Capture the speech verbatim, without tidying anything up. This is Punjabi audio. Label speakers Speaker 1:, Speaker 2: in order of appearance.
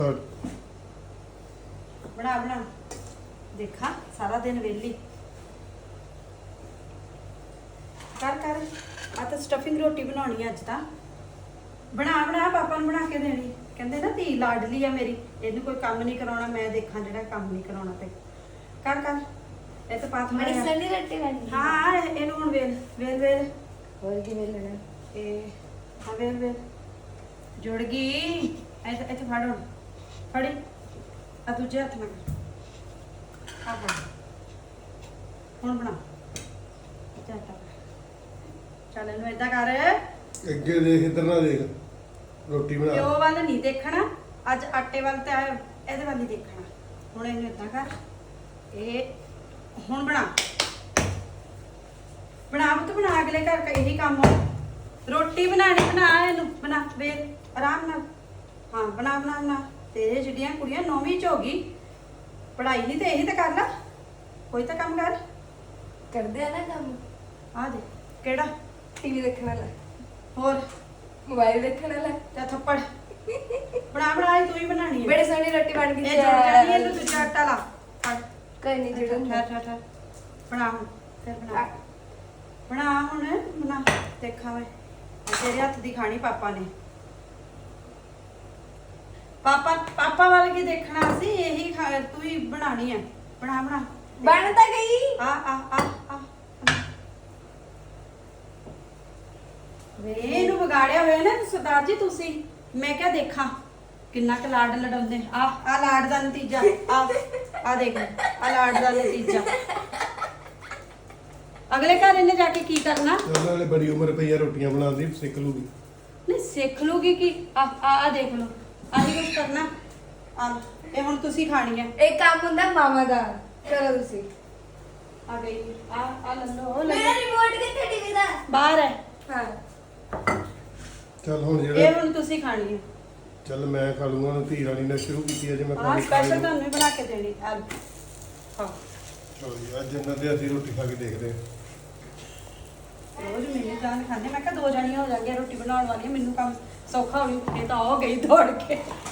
Speaker 1: बना बना देखा सारा दिन वेली कर कर आ तो स्टफिंग रोटी बनानी अज ता बना बना पापा ने बना के देनी कहते ना धी लाडली है मेरी इन्हू कोई काम नहीं कराना मैं देखा जो काम नहीं कराना पे कर कर ये तो पात
Speaker 2: बड़ी सनी रोटी बनी
Speaker 1: हाँ इन्हू हुण वेल वेल वेल
Speaker 2: और की वेलना
Speaker 1: ए हाँ वेल वेल जुड़ गई ऐसे ऐसे फाड़ हुण फड़ी आ दूजे हथ में आ फड़ हुण बना चाटा चल इन्हू इदां कर
Speaker 3: ਅੱਗੇ ਦੇਖ ਇੱਧਰ ਨਾ ਦੇਖ ਰੋਟੀ ਬਣਾ
Speaker 1: ਪਿਓ ਵੱਲ ਨਹੀਂ ਦੇਖਣਾ ਅੱਜ ਆਟੇ ਵੱਲ ਤੇ ਇਹਦੇ ਵੱਲ ਹੀ ਦੇਖਣਾ ਹੁਣ ਇਹਨੂੰ ਇਦਾਂ ਕਰ ਇਹ ਹੁਣ ਬਣਾ ਬਣਾ ਪੁੱਤ ਬਣਾ ਅਗਲੇ ਘਰ ਦਾ ਇਹੀ ਕੰਮ ਹੋ ਰੋਟੀ ਬਣਾਣੀ ਬਣਾ ਇਹਨੂੰ ਬਣਾ ਵੇਲ ਆਰਾਮ ਨਾਲ ਹਾਂ ਬਣਾ ਬਣਾ ਬਣਾ ਤੇਰੇ ਜਿਹੜੀਆਂ ਕੁੜੀਆਂ ਨੌਵੀਂ ਚ ਹੋ ਗਈ ਪੜ੍ਹਾਈ ਨਹੀਂ ਤੇ ਇਹੀ ਤਾਂ ਕਰ ਲਾ ਕੋਈ ਤਾਂ ਕੰਮ ਕਰ
Speaker 2: ਕਰਦੇ ਆ ਨਾ ਕੰਮ
Speaker 1: ਆ ਦੇ ਕਿਹੜਾ
Speaker 2: टीवी देखने वाला
Speaker 1: ਹੋਰ
Speaker 2: मोबाइल देखने वाला
Speaker 1: ਤੇ ਥੱਪੜ ਬਣਾ ਬਣਾ ਇਹ ਤੂੰ ਹੀ ਬਣਾਣੀ ਹੈ
Speaker 2: बड़ी सोनी रोटी बन गई
Speaker 1: ਇਹ ਜੁੜ ਜਾਣੀ ਹੈ ਤੂੰ ਦੂਜਾ ਆਟਾ ਲਾ ਫੜ
Speaker 2: कोई नहीं जुड़न
Speaker 1: ਠਹਿਰ ਠਹਿਰ ਠਹਿਰ ਬਣਾ ਹੁਣ ਫਿਰ ਬਣਾ ਬਣਾ ਹੁਣ ਬਣਾ ਦੇਖਾਂ ਮੈਂ ਤੇਰੇ ਹੱਥ ਦੀ ਖਾਣੀ ਪਾਪਾ ਨੇ ਪਾਪਾ ਪਾਪਾ ਵੱਲ ਕੀ ਦੇਖਣਾ ਸੀ ਇਹੀ ਖਾ- ਤੂੰ ਹੀ ਬਣਾਣੀ ਹੈ ਬਣਾ ਬਣਾ
Speaker 2: बनता गई
Speaker 1: ਆ ਆ ਆ ਆ ਵੇ ਇਹਨੂੰ ਵਿਗਾੜਿਆ ਹੋਇਆ ਨਾ ਸਰਦਾਰ ਜੀ ਤੁਸੀਂ ਮੈਂ ਕਿਹਾ ਦੇਖਾਂ ਕਿੰਨਾ ਕੁ ਲਾਡ ਲਡਾਉਂਦੇ ਆ ਆ ਲਾਡ ਦਾ ਨਤੀਜਾ ਆ ਆ ਦੇਖ ਆ ਲਾਡ ਦਾ ਨਤੀਜਾ ਅਗਲੇ ਘਰ ਇਹਨੇ ਜਾ ਕੇ ਕੀ ਕਰਨਾ
Speaker 3: ਉਹਨਾਂ ਵਾਲੇ ਬੜੀ ਉਮਰ ਪਈ ਆ ਰੋਟੀਆਂ ਬਣਾਉਂਦੀ ਸਿੱਖ ਲੂਗੀ
Speaker 1: ਨਹੀਂ ਸਿੱਖ ਲੂਗੀ ਕੀ ਆ ਆ ਆ ਦੇਖ ਲਓ ਆਹੀ ਕੁਝ ਕਰਨਾ ਆ ਲਓ, ਇਹ ਹੁਣ ਤੁਸੀਂ ਖਾਣੀ ਹੈ
Speaker 2: एक काम हुंदा मामा दा करो तुसी
Speaker 1: ਆ ਗਈ ਆ ਆ ਲੰਨੋ ਉਹ
Speaker 2: मेरा रिमोट किथे टीवी दा
Speaker 1: ਬਾਹਰ ਹੈ
Speaker 2: हां
Speaker 3: ਚੱਲ ਹੁਣ
Speaker 1: ਇਹ
Speaker 3: ਜਿਹੜਾ
Speaker 1: ਹੁਣ ਤੁਸੀਂ ਖਾਣੀ ਹੈ
Speaker 3: ਚੱਲ ਮੈਂ ਖਾ ਲੂੰਗਾ ਹੁਣ ਧੀ ਰਾਣੀ ਨੇ ਸ਼ੁਰੂ ਕੀਤੀ ਹੈ ਜੇ ਮੈਂ
Speaker 1: ਆ
Speaker 3: ਖਾਣੀ
Speaker 1: ਸਪੈਸ਼ਲ ਤੁਹਾਨੂੰ ਹੀ ਬਣਾ ਕੇ ਦੇਣੀ ਆ ਲਓ। ਹਾਂ
Speaker 3: ਚਲੋ ਜੀ ਅੱਜ ਇਹਨਾਂ ਦੇ ਅਸੀਂ ਰੋਟੀ ਖਾ ਕੇ ਦੇਖਦੇ ਹਾਂ
Speaker 1: ਰੋਜ਼ ਮੈਨੂੰ ਜਾਨ ਖਾਂਦੇ ਮੈਂ ਕਿਹਾ ਦੋ ਜਣੀਆਂ ਹੋ ਜਾਣਗੀਆਂ ਰੋਟੀ ਬਣਾਉਣ ਵਾਲੀਆਂ ਮੈਨੂੰ ਕੰਮ ਸੌਖਾ ਹੋ ਜੂ ਇਹ ਤਾਂ ਹੋ ਗਈ ਦੌੜ ਕੇ